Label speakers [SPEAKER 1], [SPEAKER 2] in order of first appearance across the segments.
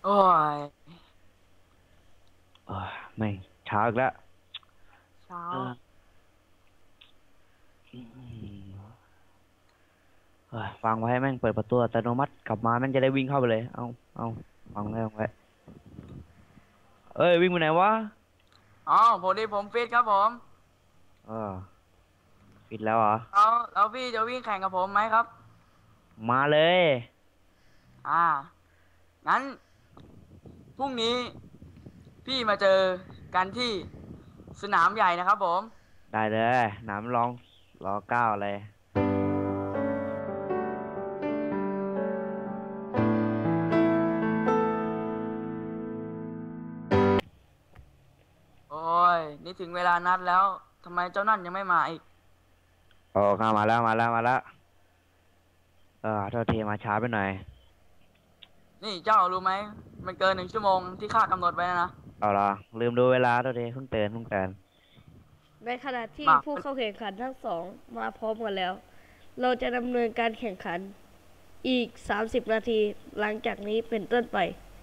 [SPEAKER 1] โอ้ย
[SPEAKER 2] เออไม่เช้าอีกแล้ว
[SPEAKER 1] เช้า
[SPEAKER 2] เอออืมฟังไว้แม่งเปิดประตูอัตโนมัติกลับมาแม่งจะได้วิ่งเข้าไปเลยเอาฟังไว้ฟังไว้เอ้ยวิ่งไปไหนวะ
[SPEAKER 1] อ๋อพอดีผมฟิตครับผม
[SPEAKER 2] เออปิดแล้วเหรอ
[SPEAKER 1] แล้วพี่จะวิ่งแข่งกับผมไหมครับ
[SPEAKER 2] มาเลย
[SPEAKER 1] อ่างั้นพรุ่งนี้พี่มาเจอกันที่สนามใหญ่นะครับผม
[SPEAKER 2] ได้เลยหนามรองรอเก้าเลย
[SPEAKER 1] โอ้ยนี่ถึงเวลานัดแล้วทำไมเจ้านั่นยังไม่มาอีก
[SPEAKER 2] โอ้ข้ามาแล้วโทษทีมาช้าไปหน่อย
[SPEAKER 1] นี่เจ้ารู้ไหมมันเกิน1 ชั่วโมงที่ข้ากำหนดไว้นะ
[SPEAKER 2] เอาล่ะลืมดูเวลาโทษทีเพิ่งเตือน
[SPEAKER 3] ในขณะที่
[SPEAKER 1] มา
[SPEAKER 3] ผู้เข้าแข่งขันทั้งสองมาพร้อมกันแล้ว เราจะดำเนินการแข่งขันอีก 30 นาทีหลังจากนี้เป็นต้นไป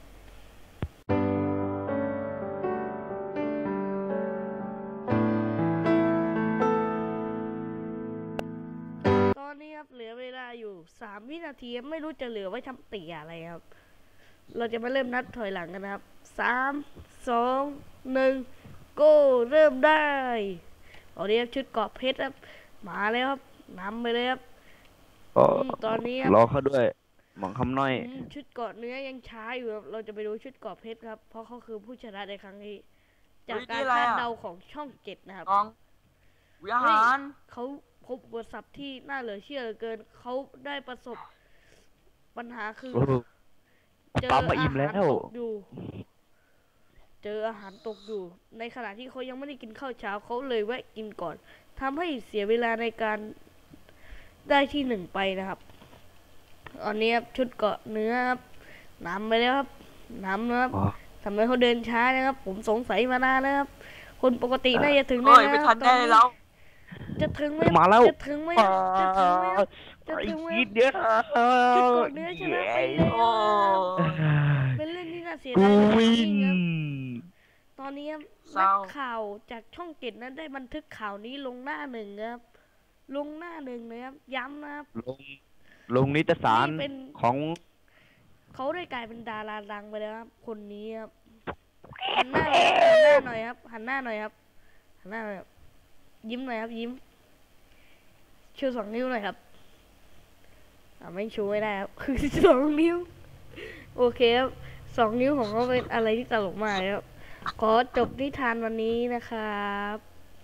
[SPEAKER 3] ตอนนี้ครับเหลือเวลาอยู่ 3 วินาทีไม่รู้จะเหลือไว้ทำเตี๋ยอะไรครับ เราจะมาเริ่มนับถอยหลังกันนะครับ 3 2 1 go เริ่มได้ตอนนี้ครับชุดเกราะเพชรครับมาแล้วครับนำไปเลยครับ
[SPEAKER 2] โอ้
[SPEAKER 3] ตอนนี้ครับ
[SPEAKER 2] รอเขาด้วยหมองคำน้อย
[SPEAKER 3] ชุดเกราะเนื้อยังช้าอยู่ครับเราจะไปดูชุดเกราะเพชรครับเพราะเขาคือผู้ชนะในครั้งนี้จากการคาดเดาของช่อง7นะครับ
[SPEAKER 1] กองวิหาร
[SPEAKER 3] เขาพบอุปสรรคที่น่าเหลือเชื่อเหลือเกินเขาได้ประสบปัญหาคือเจอ
[SPEAKER 2] ปั๊มมาอิ่
[SPEAKER 3] อา
[SPEAKER 2] มแล้
[SPEAKER 3] หาร
[SPEAKER 2] ว
[SPEAKER 3] ตกอยู่เจออาหารตกอยู่ในขณะที่เขายังไม่ได้กินข้าวเช้าเขาเลยแวะกินก่อนทำให้เสียเวลาในการได้ที่1ไปนะครับตอนนี้ครับชุดเกาะเนื้อครับนำไปแล้วครับนำนะครับทำไมเขาเดินช้านะครับผมสงสัยมานานแล้วครับคนปกติน่าจะถึงได้
[SPEAKER 1] เฮ้ยไม่
[SPEAKER 3] แล้ว
[SPEAKER 1] ทันได้แล้ว
[SPEAKER 3] จะถึงไหม
[SPEAKER 2] มาแล้ว
[SPEAKER 3] จะถึงไหมจะถึงไหมจะถึงไหม
[SPEAKER 2] อีกนิดเดียว
[SPEAKER 3] ชุดเกาะเนื้อชนะไปแล้ว
[SPEAKER 1] โอ้
[SPEAKER 3] เป็นเรื่องที่น่าเสีย
[SPEAKER 2] กู
[SPEAKER 3] ดาย
[SPEAKER 2] วิน
[SPEAKER 3] ครับตอนนี้นักข่าวจากช่อง7นั้นได้บันทึกข่าวนี้ลงหน้าหนึ่งครับลงหน้าหนึ่งนะครับย้ำนะครับ
[SPEAKER 2] ลงนิตยสารของ
[SPEAKER 3] เขาได้กลายเป็นดาราดังไปแล้วครับคนนี้ครับหันหน้าหน่อยครับหันหน้าหน่อยครับหันหน้าหน่อยครับยิ้มหน่อยครับยิ้มชู2 นิ้วหน่อยครับไม่ชูไม่ได้ครับคือ2 นิ้วโอเคครับ2 นิ้วของเขาเป็นอะไรที่ตลกมากครับขอจบนิทานวันนี้นะครับ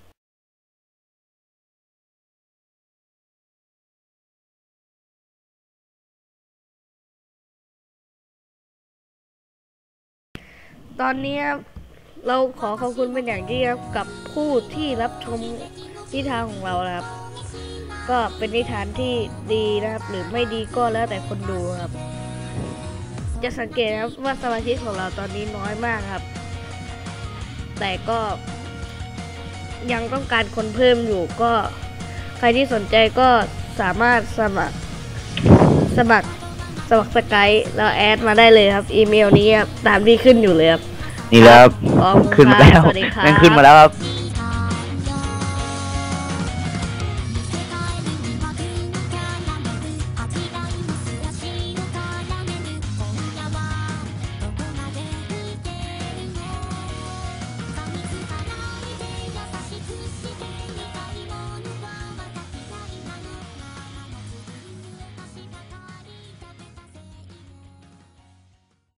[SPEAKER 3] ตอนนี้เราขอขอบคุณเป็นอย่างยิ่งครับกับผู้ที่รับชมนิทานของเรานะครับก็เป็นนิทานที่ดีนะครับหรือไม่ดีก็แล้วแต่คนดูครับจะสังเกตครับว่าสมาชิกของเราตอนนี้น้อยมากครับแต่ก็ยังต้องการคนเพิ่มอยู่ก็ใครที่สนใจก็สามารถสมัครสกายแล้วแอดมาได้เลยครับอีเมลนี้ครับตามที่ขึ้นอยู่เลยครับ
[SPEAKER 2] นี่แล้วขึ้นมาแล้ว
[SPEAKER 3] สวัสดีครับ
[SPEAKER 2] ขึ้นมาแล้วครับ